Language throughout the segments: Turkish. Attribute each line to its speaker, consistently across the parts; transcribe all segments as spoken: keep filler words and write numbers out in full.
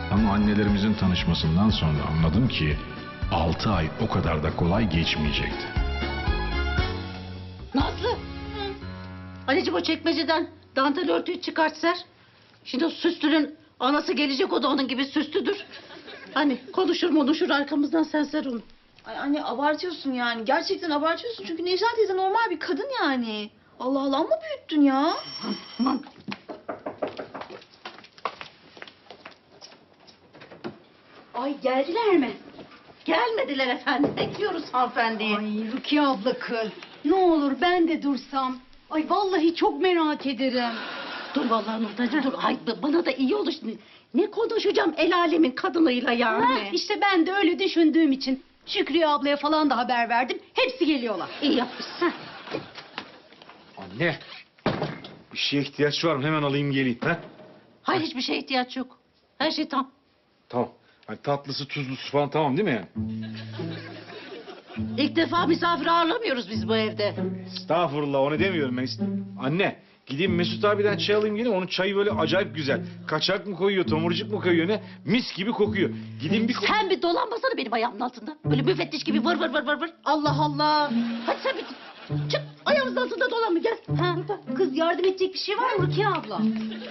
Speaker 1: Ama annelerimizin tanışmasından sonra anladım ki altı ay o kadar da kolay geçmeyecekti.
Speaker 2: Nazlı. Anneciğim o çekmeceden dantel örtüyü çıkart ser. Şimdi o süslünün anası gelecek, o da onun gibi süslüdür. Hani konuşur konuşur arkamızdan, sen ser onu.
Speaker 3: Ay anne abartıyorsun yani. Gerçekten abartıyorsun çünkü Necla teyze normal bir kadın yani. Allah Allah, ama büyüttün ya.
Speaker 2: Aman.
Speaker 4: Ay geldiler mi?
Speaker 2: Gelmediler efendim. Bekliyoruz hanımefendiyi.
Speaker 4: Ay Rukiye abla kız. Ne olur ben de dursam. Ay vallahi çok merak ederim.
Speaker 2: Dur vallahi Nurtacığım dur. Ay bana da iyi olur şimdi. Ne konuşacağım el alemin kadınıyla yani.
Speaker 4: Ha, işte ben de öyle düşündüğüm için Şükriye ablaya falan da haber verdim. Hepsi geliyorlar.
Speaker 2: İyi yapmışsın.
Speaker 5: Anne, bir şeye ihtiyaç var mı? Hemen alayım geleyim. Ha?
Speaker 2: Hayır, hiçbir şeye ihtiyaç yok. Her şey tam.
Speaker 5: Tamam. Hani tatlısı, tuzlusu falan tamam değil mi yani?
Speaker 2: İlk defa misafir ağırlamıyoruz biz bu evde.
Speaker 5: Estağfurullah, onu demiyorum ben. Anne, gideyim Mesut abiden çay alayım geleyim. Onun çayı böyle acayip güzel. Kaçak mı koyuyor, tomurcuk mu koyuyor ne? Mis gibi kokuyor. Gideyim bir...
Speaker 2: Sen bir dolanmasana benim ayağımın altında. Böyle müfettiş gibi vır vır vır vır vır.
Speaker 4: Allah Allah.
Speaker 2: Hadi sen bir çık, ayağımızın altında dolanma, gel.
Speaker 4: Ha, kız yardım edecek bir şey var mı Rukiye abla?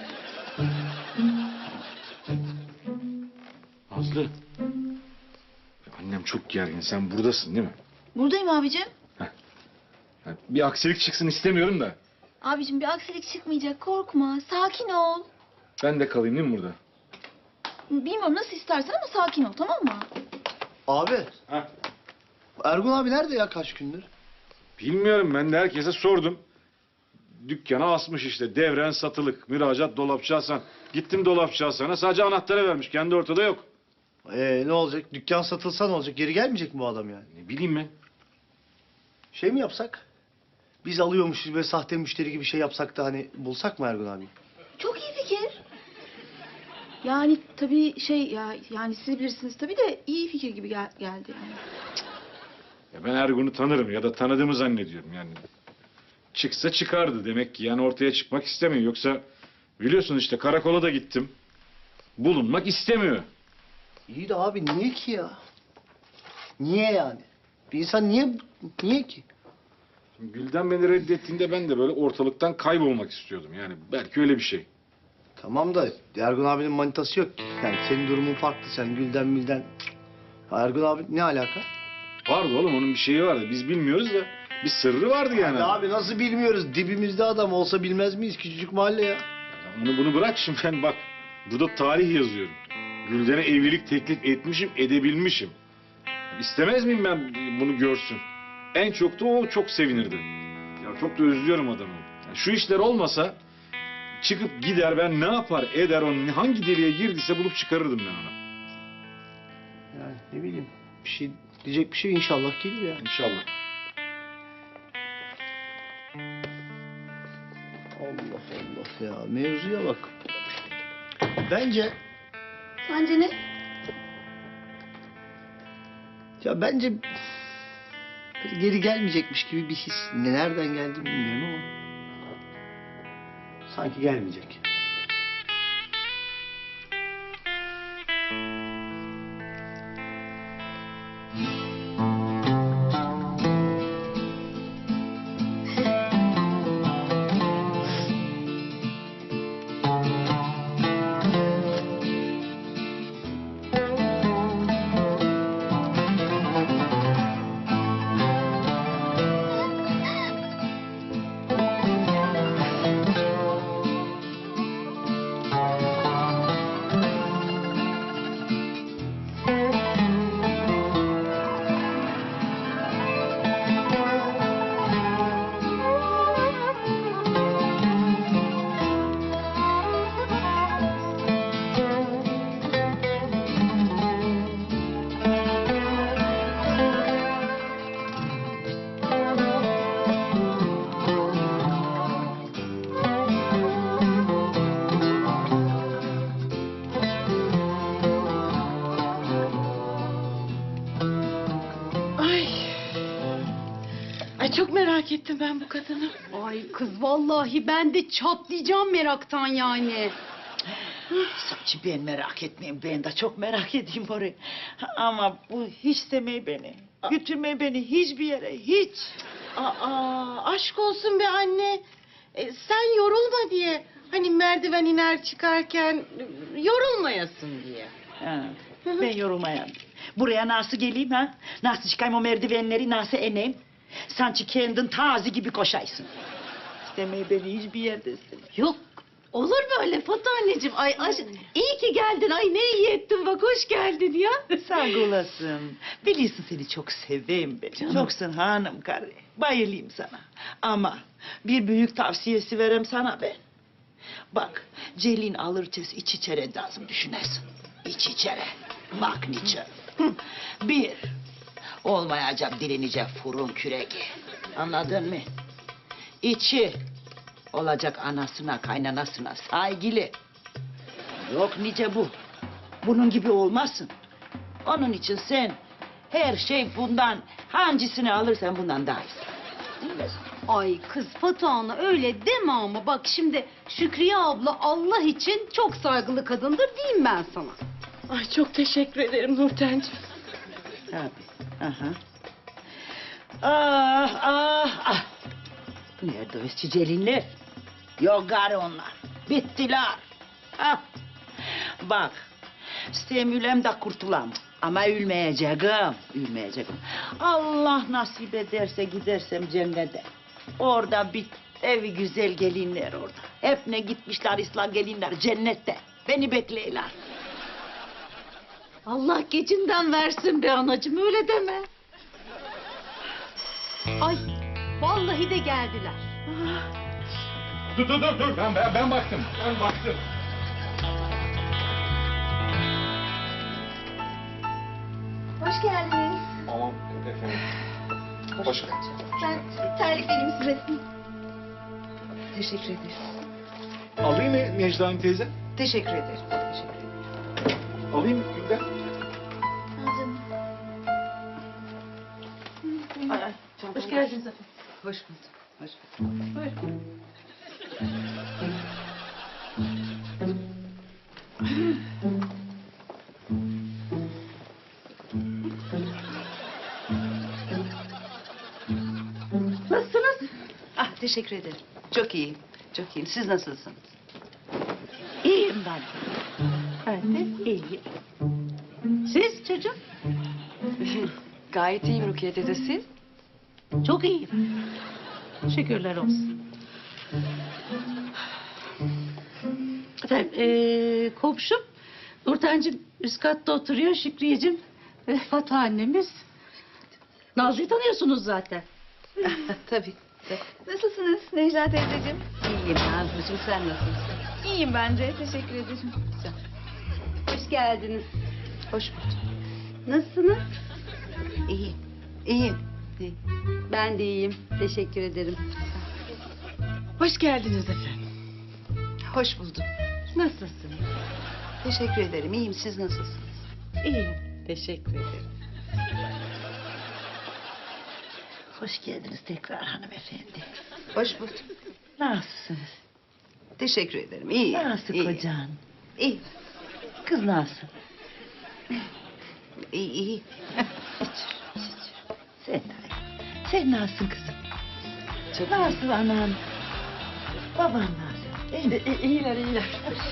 Speaker 5: Nazlı. Annem çok gergin. Sen buradasın değil mi?
Speaker 3: Buradayım abicim.
Speaker 5: Yani bir aksilik çıksın istemiyorum da.
Speaker 3: Abicim bir aksilik çıkmayacak, korkma. Sakin ol.
Speaker 5: Ben de kalayım değil mi burada?
Speaker 3: Bilmiyorum nasıl istersen ama sakin ol, tamam mı?
Speaker 6: Abi,
Speaker 5: Ha.
Speaker 6: Ergun abi nerede ya kaç gündür?
Speaker 5: Bilmiyorum, ben de herkese sordum. Dükkana asmış işte, devren satılık, müracaat dolapçı Hasan. Gittim dolapçı Hasan'a, sadece anahtarı vermiş, kendi ortada yok.
Speaker 6: Ee ne olacak? Dükkan satılsa ne olacak? Geri gelmeyecek mi bu adam yani?
Speaker 5: Ne bileyim ben.
Speaker 6: Şey mi yapsak? Biz alıyormuşuz ve sahte müşteri gibi şey yapsak da hani bulsak mı Ergun abi?
Speaker 3: Çok iyi fikir. Yani tabii şey ya, yani siz bilirsiniz tabii de iyi fikir gibi gel- geldi yani.
Speaker 5: Ya ben Ergun'u tanırım ya da tanıdığımı zannediyorum yani. Çıksa çıkardı demek ki, yani ortaya çıkmak istemiyor. Yoksa biliyorsun işte karakola da gittim. Bulunmak istemiyor.
Speaker 6: İyi de abi niye ki ya? Niye yani? Bir insan niye niye ki?
Speaker 5: Gülden beni reddettiğinde ben de böyle ortalıktan kaybolmak istiyordum. Yani belki öyle bir şey.
Speaker 6: Tamam da Ergun abinin manitası yok ki. Yani senin durumun farklı. Sen Gülden Mülden. Ya Ergun abi ne alaka?
Speaker 5: Vardı oğlum, onun bir şeyi vardı. Biz bilmiyoruz da bir sırrı vardı yani.
Speaker 6: Ya abi nasıl bilmiyoruz? Dibimizde adam olsa bilmez miyiz? Küçücük mahalle ya.
Speaker 5: Ya Onu bunu bırak şimdi, ben bak burada tarih yazıyorum. Gülden'e evlilik teklif etmişim, edebilmişim. İstemez miyim ben bunu görsün? En çok da o çok sevinirdi. Ya çok da özlüyorum adamı. Ya şu işler olmasa çıkıp gider, ben ne yapar eder, onun hangi deliğe girdiyse bulup çıkarırdım ben ona.
Speaker 6: Yani ne bileyim. Bir şey diyecek bir şey inşallah gelir ya.
Speaker 5: İnşallah.
Speaker 6: Allah Allah ya. Mevzuya bak. Bence
Speaker 3: Sence ne?
Speaker 6: ya bence böyle geri gelmeyecekmiş gibi bir his. Ne- Nereden geldi bilmiyorum ama sanki gelmeyecek.
Speaker 2: Ay çok merak ettim ben bu kadını.
Speaker 4: Ay kız vallahi ben de çatlayacağım meraktan yani.
Speaker 7: Saçı ben merak etmeyeyim. Ben de çok merak edeyim orayı. Ama bu hiç demeyi beni. Götürmeyi beni hiçbir yere. Hiç.
Speaker 4: Aa, aşk olsun be anne. E, sen yorulma diye. Hani merdiven iner çıkarken e, yorulmayasın diye.
Speaker 7: Ha, ben yorulmayan. Buraya nasıl geleyim ha? Nasıl çıkayım o merdivenleri, nasıl ineyim? Sanki kendin tazi gibi koşaysın. İstemeyi beni hiçbir yerdesin.
Speaker 2: Yok olur mu öyle Fatih anneciğim? Ay aş iyi ki geldin. Ay ne iyi ettin bak hoş geldin ya.
Speaker 7: Sağ olasın. Biliyorsun seni çok seveyim ben. Çoksun hanım karı. Bayılayım sana. Ama bir büyük tavsiyesi verem sana ben. Bak Celin alırcası iç içere lazım düşünersin. İç içere. Bak niçin. Hı. Bir, olmayacak direnecek fırın küreği. Anladın mı? İçi, olacak anasına kaynanasına saygılı. Yok nice bu. Bunun gibi olmasın. Onun için sen her şey bundan hangisini alırsan bundan daha iyisi. Değil mi?
Speaker 4: Ay kız Fatih Ana öyle deme ama bak şimdi Şükriye abla Allah için çok saygılı kadındır diyeyim ben sana.
Speaker 3: Ay çok teşekkür ederim Nurten'ciğim.
Speaker 7: Tabii. Aha. Ah ah ah. Nerede o Celinler? Yok gari onlar. Bittiler. Ha. Bak. Semülem de kurtulam. Ama ülmeyeceğim. Ülmeyeceğim. Allah nasip ederse gidersem cennete. Orada bir evi güzel gelinler orada. Hep ne gitmişler İslam gelinler cennette. Beni bekleyiler.
Speaker 2: Allah gecinden versin be anacığım öyle deme.
Speaker 4: Ay vallahi de geldiler.
Speaker 1: Dur dur dur dur ben, ben, ben baktım. Ben baktım.
Speaker 3: Hoş geldiniz.
Speaker 1: Tamam efendim. Hoş
Speaker 3: Ben terlik vereyim size. Teşekkür ederiz.
Speaker 5: Alayım mı Necla'nın teyze?
Speaker 3: Teşekkür ederim. Teşekkür ederim.
Speaker 5: Alayım mı Gülden?
Speaker 2: Hoş geldiniz efendim.
Speaker 7: Hoş bulduk. Hoş bulduk.
Speaker 2: Nasılsınız?
Speaker 7: Ah teşekkür ederim. Çok iyiyim. Çok iyiyim. Siz nasılsınız?
Speaker 2: İyiyim ben.
Speaker 7: Ben de iyiyim.
Speaker 2: Siz çocuğum?
Speaker 3: Gayet iyiyim Rukiye teyze siz.
Speaker 2: Çok iyiyim. Şükürler olsun. Efendim ee, komşum Nurten'cim üst katta oturuyor. Şükriyeciğim ve Fatih annemiz. Nazlı'yı tanıyorsunuz zaten.
Speaker 7: Tabii.
Speaker 3: Nasılsınız Necla teyzeciğim?
Speaker 7: İyiyim Nazlıcığım. Sen nasılsın?
Speaker 3: İyiyim ben de. Teşekkür ederim.
Speaker 4: Hoş geldiniz.
Speaker 7: Hoş bulduk.
Speaker 4: Nasılsınız?
Speaker 7: İyiyim. İyiyim. İyiyim.
Speaker 4: Ben de iyiyim. Teşekkür ederim.
Speaker 3: Hoş geldiniz efendim.
Speaker 7: Hoş bulduk.
Speaker 4: Nasılsın?
Speaker 7: Teşekkür ederim. İyiyim. Siz nasılsınız?
Speaker 4: İyiyim. Teşekkür ederim.
Speaker 7: Hoş geldiniz tekrar hanımefendi. Hoş bulduk. Nasılsınız? Teşekkür ederim. İyi. Nasıl iyi. Kocan? İyi. Kız nasıl? İyi iyi. Şükür, şükür. Sen de. Sen nasılsın kızım? Çok nasıl anan? Baban nasıl? İyi, iyiler iyiler.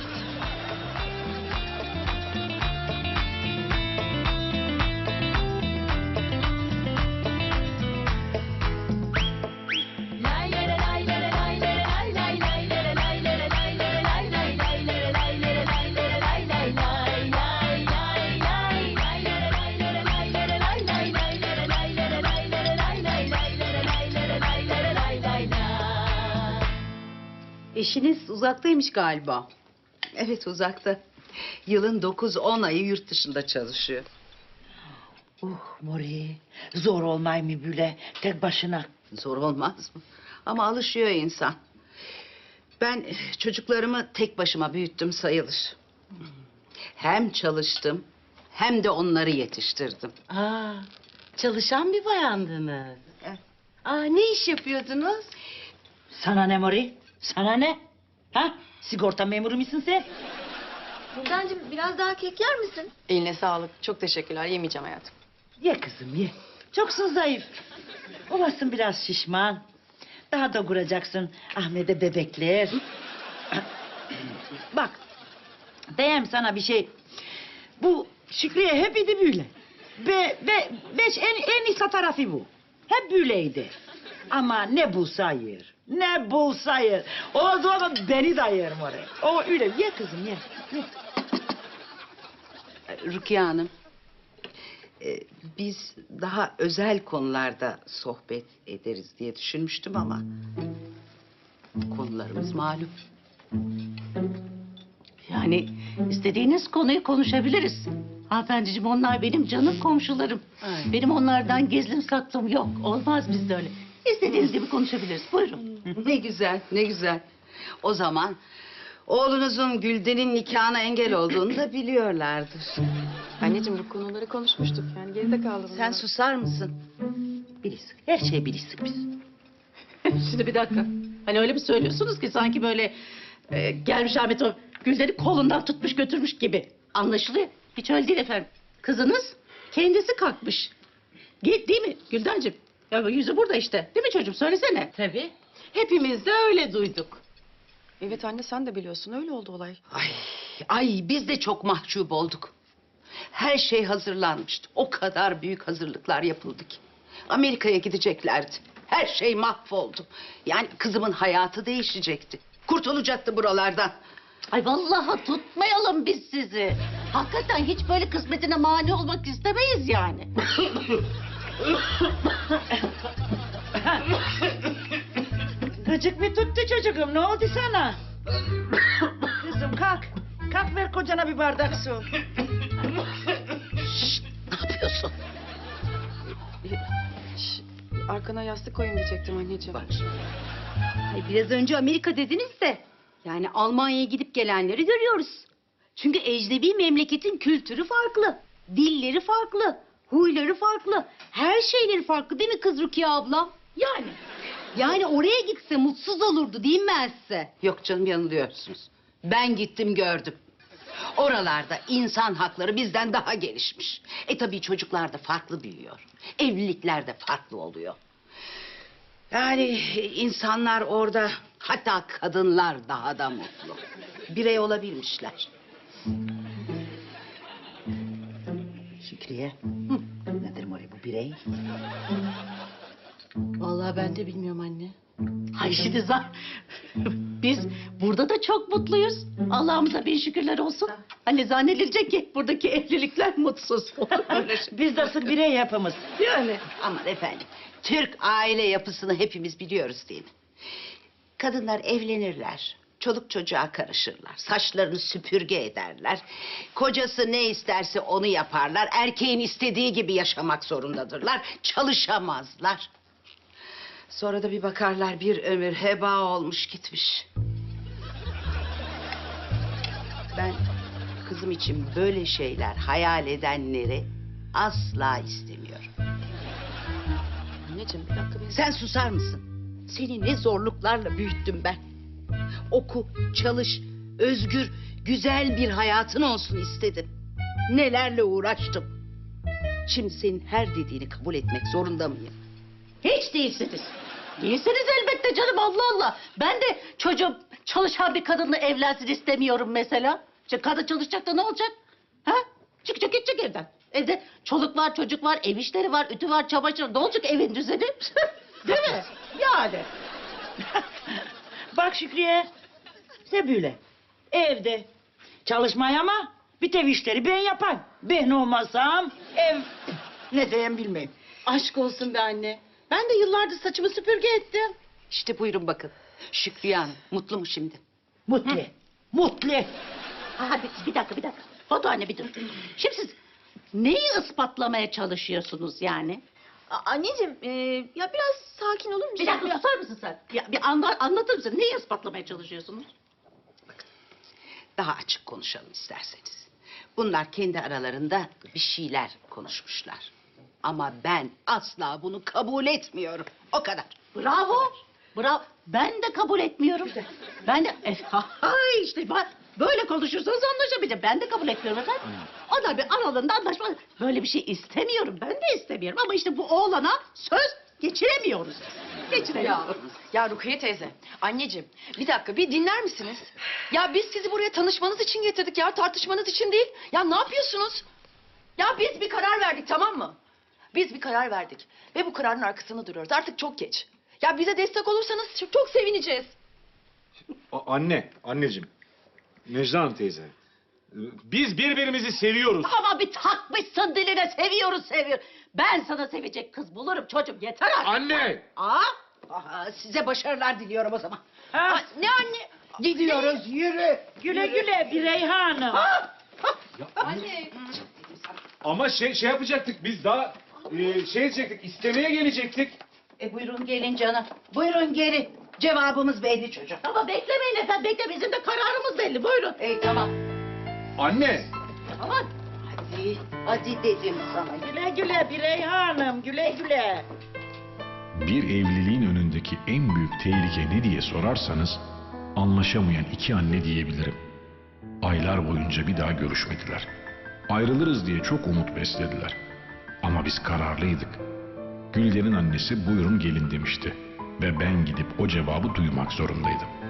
Speaker 4: Eşiniz uzaktaymış galiba.
Speaker 7: Evet uzakta. Yılın dokuz on ayı yurt dışında çalışıyor. Uh Mori, zor olmay mı böyle tek başına?
Speaker 8: Zor olmaz mı? Ama alışıyor insan. Ben çocuklarımı tek başıma büyüttüm sayılır. Hem çalıştım hem de onları yetiştirdim.
Speaker 4: Aa, çalışan bir bayandınız.
Speaker 8: Evet.
Speaker 4: Aa, ne iş yapıyordunuz?
Speaker 7: Sana ne Mori? Sana ne? Ha? Sigorta memuru musun sen?
Speaker 3: Güldencim biraz daha kek yer misin?
Speaker 9: Eline sağlık. Çok teşekkürler. Yemeyeceğim hayatım.
Speaker 7: Ye kızım ye. Çoksun zayıf. Olasın biraz şişman. Daha da kuracaksın Ahmet'e bebekler. Bak. Diyeyim sana bir şey. Bu Şükriye hep idi böyle. Be, be, beş en, en iyisi tarafı bu. Hep böyleydi. Ama ne bulsa yer. Ne bulsa yer. O zaman beni de yerim oraya. O öyle. Ye kızım ye. ye.
Speaker 8: Rukiye Hanım, e, biz daha özel konularda sohbet ederiz diye düşünmüştüm ama konularımız malum.
Speaker 2: Yani istediğiniz konuyu konuşabiliriz. Hanımefendiciğim onlar benim canım komşularım. Benim onlardan gizlim saklım yok. Olmaz bizde öyle. İstediğiniz gibi konuşabiliriz. Buyurun.
Speaker 8: Ne güzel, ne güzel. O zaman oğlunuzun Gülden'in nikahına engel olduğunu da biliyorlardır.
Speaker 9: Anneciğim bu konuları konuşmuştuk. Yani geride kaldı bunlar.
Speaker 8: Sen susar mısın?
Speaker 2: Bilirsin. Her şeyi bilirsin biz. Şimdi bir dakika. Hani öyle mi söylüyorsunuz ki sanki böyle e, gelmiş Ahmet o Gülden'i kolundan tutmuş götürmüş gibi anlaşılıyor. Hiç öyle değil efendim. Kızınız kendisi kalkmış. Git değil mi Güldenciğim? Ya yüzü burada işte. Değil mi çocuğum? Söylesene.
Speaker 4: Tabii. Hepimiz de öyle duyduk.
Speaker 9: Evet anne sen de biliyorsun. Öyle oldu olay.
Speaker 8: Ay, ay biz de çok mahcup olduk. Her şey hazırlanmıştı. O kadar büyük hazırlıklar yapıldı ki. Amerika'ya gideceklerdi. Her şey mahvoldu. Yani kızımın hayatı değişecekti. Kurtulacaktı buralardan.
Speaker 2: Ay vallahi tutmayalım biz sizi. Hakikaten hiç böyle kısmetine mani olmak istemeyiz yani.
Speaker 7: Gıcık mı tuttu çocuğum? Ne oldu sana? Kızım kalk. Kalk ver kocana bir bardak su.
Speaker 8: Şşt, ne yapıyorsun?
Speaker 9: Şş, arkana yastık koyun diyecektim anneciğim.
Speaker 8: Bak.
Speaker 10: Ay, biraz önce Amerika dediniz de yani Almanya'ya gidip gelenleri görüyoruz. Çünkü ecnebi memleketin kültürü farklı, dilleri farklı, huyları farklı, her şeyleri farklı değil mi kız Rukiye abla? Yani. Yani oraya gitse mutsuz olurdu değil mi ben size?
Speaker 8: Yok canım yanılıyorsunuz. Ben gittim gördüm. Oralarda insan hakları bizden daha gelişmiş. E tabii çocuklar da farklı büyüyor. Evlilikler de farklı oluyor. Yani insanlar orada hatta kadınlar daha da mutlu. Birey olabilmişler.
Speaker 7: Şükriye. Nedir Mori bu birey?
Speaker 2: Vallahi ben de bilmiyorum anne. Ay şimdi za- biz burada da çok mutluyuz. Allah'ımıza bin şükürler olsun. Hani zannedilecek ki buradaki evlilikler mutsuz.
Speaker 7: Biz nasıl birey yapımız?
Speaker 8: Yani aman efendim. Türk aile yapısını hepimiz biliyoruz değil mi? Kadınlar evlenirler. Çoluk çocuğa karışırlar. Saçlarını süpürge ederler. Kocası ne isterse onu yaparlar. Erkeğin istediği gibi yaşamak zorundadırlar. Çalışamazlar. Sonra da bir bakarlar bir ömür heba olmuş gitmiş. Ben kızım için böyle şeyler hayal edenleri asla istemiyorum.
Speaker 9: Anneciğim bir dakika beni...
Speaker 8: Sen susar mısın? Seni ne zorluklarla büyüttüm ben. Oku, çalış, özgür, güzel bir hayatın olsun istedim. Nelerle uğraştım. Şimdi senin her dediğini kabul etmek zorunda mıyım?
Speaker 2: Hiç değilsiniz. Değilsiniz elbette canım Allah Allah. Ben de çocuğum çalışan bir kadınla evlensin istemiyorum mesela. İşte kadın çalışacak da ne olacak? Ha? Çıkacak gidecek evden. Evde çoluk var, çocuk var, ev işleri var, ütü var, çamaşır. Ne olacak evin düzeni? Değil mi? Yani.
Speaker 7: Bak Şükriye. Ne böyle? Evde. Çalışmaya ama bir tev işleri ben yapan. Ben olmasam ev ne diyeyim bilmeyim.
Speaker 4: Aşk olsun be anne. Ben de yıllardır saçımı süpürge ettim.
Speaker 8: İşte buyurun bakın. Şükriye Hanım mutlu mu şimdi?
Speaker 7: Mutlu. Mutlu.
Speaker 2: Ha, bir, bir dakika bir dakika. Foto anne bir dur. Şimdi siz neyi ispatlamaya çalışıyorsunuz yani?
Speaker 3: A- anneciğim e, ya biraz sakin olur musun?
Speaker 2: Bir dakika susar mısın sen? Ya, bir anla, anlatır mısın? Neyi ispatlamaya çalışıyorsunuz?
Speaker 8: Daha açık konuşalım isterseniz. Bunlar kendi aralarında bir şeyler konuşmuşlar. Ama ben asla bunu kabul etmiyorum. O kadar.
Speaker 2: Bravo. Bravo. Ben de kabul etmiyorum. Ben de... E, hay işte bak. Böyle konuşursanız anlaşamayacağım. Ben de kabul etmiyorum efendim. O da bir aralarında anlaşma. Böyle bir şey istemiyorum. Ben de istemiyorum. Ama işte bu oğlana söz geçiremiyoruz.
Speaker 9: Ya,
Speaker 2: Geçiremiyoruz.
Speaker 9: ya Rukiye teyze, anneciğim bir dakika bir dinler misiniz? Ya biz sizi buraya tanışmanız için getirdik ya, tartışmanız için değil. Ya ne yapıyorsunuz? Ya biz bir karar verdik, tamam mı? Biz bir karar verdik ve bu kararın arkasında duruyoruz. Artık çok geç. Ya bize destek olursanız çok, çok sevineceğiz.
Speaker 5: A- anne, anneciğim. Necla Hanım teyze. Biz birbirimizi seviyoruz.
Speaker 2: Ama bir takmışsın diline, seviyoruz seviyor. Ben sana sevecek kız bulurum çocuğum, yeter artık.
Speaker 5: Anne!
Speaker 2: Aa, aha, size başarılar diliyorum o zaman.
Speaker 7: Ha,
Speaker 9: Ne anne?
Speaker 7: gidiyoruz yürü. Güle güle Birey Hanım.
Speaker 9: Anne.
Speaker 5: Ama şey şey yapacaktık biz daha e, şey edecektik, istemeye gelecektik.
Speaker 2: E buyurun gelin canım. Buyurun gelin. Cevabımız belli çocuk. Ama beklemeyin efendim, bekle, bizim de kararımız belli. Buyurun.
Speaker 8: Ey tamam.
Speaker 5: Anne!
Speaker 2: Aman.
Speaker 8: Hadi, hadi dedim sana.
Speaker 7: Güle güle Birey Hanım güle güle.
Speaker 1: Bir evliliğin önündeki en büyük tehlike ne diye sorarsanız anlaşamayan iki anne diyebilirim. Aylar boyunca bir daha görüşmediler. Ayrılırız diye çok umut beslediler. Ama biz kararlıydık. Gülden'in annesi buyurun gelin demişti. Ve ben gidip o cevabı duymak zorundaydım.